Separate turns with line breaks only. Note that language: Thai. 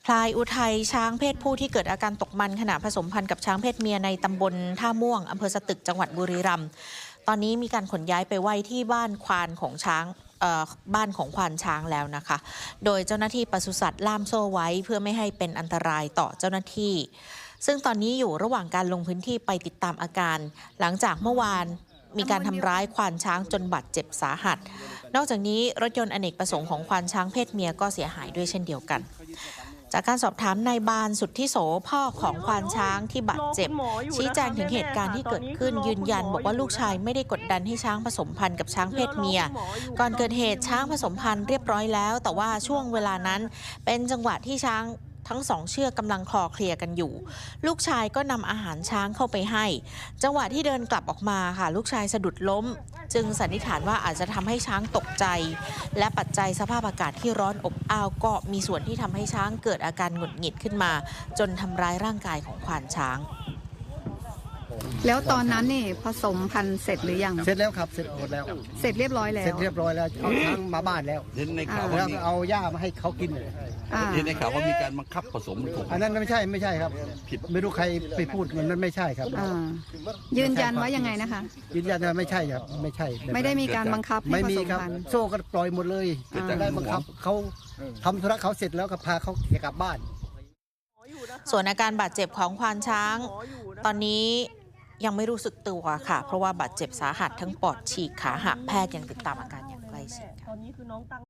พลายอุทัยช้างเพศผู้ที่เกิดอาการตกมันขณะผสมพันธุ์กับช้างเพศเมียในตำบลท่าม่วงอำเภอสตึกจังหวัดบุรีรัมย์ตอนนี้มีการขนย้ายไปไว้ที่บ้านควานของช้างบ้านของควานช้างแล้วนะคะ โดยเจ้าหน้าที่ปศุสัตว์ล่ามโซ่ไว้เพื่อไม่ให้เป็นอันตรายต่อเจ้าหน้าที่ซึ่งตอนนี้อยู่ระหว่างการลงพื้นที่ไปติดตามอาการ หลังจากเมื่อวานมีการทำร้ายควานช้างจนบาดเจ็บสาหัสนอกจากนี้รถยนต์อเนกประสงค์ของควานช้างเพศเมียก็เสียหายด้วยเช่นเดียวกันจากการสอบถามนายบานสุทธิโสพ่อของควานช้างที่บาดเจ็บชี้แจงถึงเหตุการณ์ที่เกิดขึ้นยืนยันบอกว่าลูกชายไม่ได้กดดันให้ช้างผสมพันธุ์กับช้างเพศเมียก่อนเกิดเหตุช้างผสมพันธุ์เรียบร้อยแล้วแต่ว่าช่วงเวลานั้นเป็นจังหวะที่ช้างทั้งสองเชือกกำลังคลอเคลียร์กันอยู่ลูกชายก็นำอาหารช้างเข้าไปให้จังหวะที่เดินกลับออกมาค่ะลูกชายสะดุดล้มจึงสันนิษฐานว่าอาจจะทำให้ช้างตกใจและปัจจัยสภาพอากาศที่ร้อนอบอ้าวก็มีส่วนที่ทำให้ช้างเกิดอาการหงุดหงิดขึ้นมาจนทำร้ายร่างกายของควานช้าง
แล้วตอนนั้นนี่ผสมพันธุ์เสร็จหรือยัง
เสร็จแล้วครับเสร็จหมดแล้ว
เสร็จเรียบร้อยแล้ว
เสร็จเรียบร้อยแล้วเอาช้างมาบ้านแล้ว
เห็นในข่าวว่า
แล้วเอาหญ้ามาให้เขากินเลย
เห็นในข่าวว่ามีการบังคับผสมถูก
อันนั้นไม่ใช่ครับผิดไม่รู้ใครไปพูดมันไม่ใช่ครับ
ยืนยันว่ายังไงนะคะ
ยืนยันว่าไม่ใช่ครับไม่ใช่
ไม่ได้มีการบังคับให้ผสมพันธุ์
โซ่ก็ปล่อยหมดเลยได้บังคับเขาทำธุระเขาเสร็จแล้วก็พาเขากลับบ้าน
ส่วนอาการบาดเจ็บของควานช้างตอนนี้ยังไม่รู้สึกตัวค่ะเพราะว่าบาดเจ็บสาหัสทั้งปอดฉีกขาหักแพทย์ยังติดตามอาการอย่างใกล้ชิด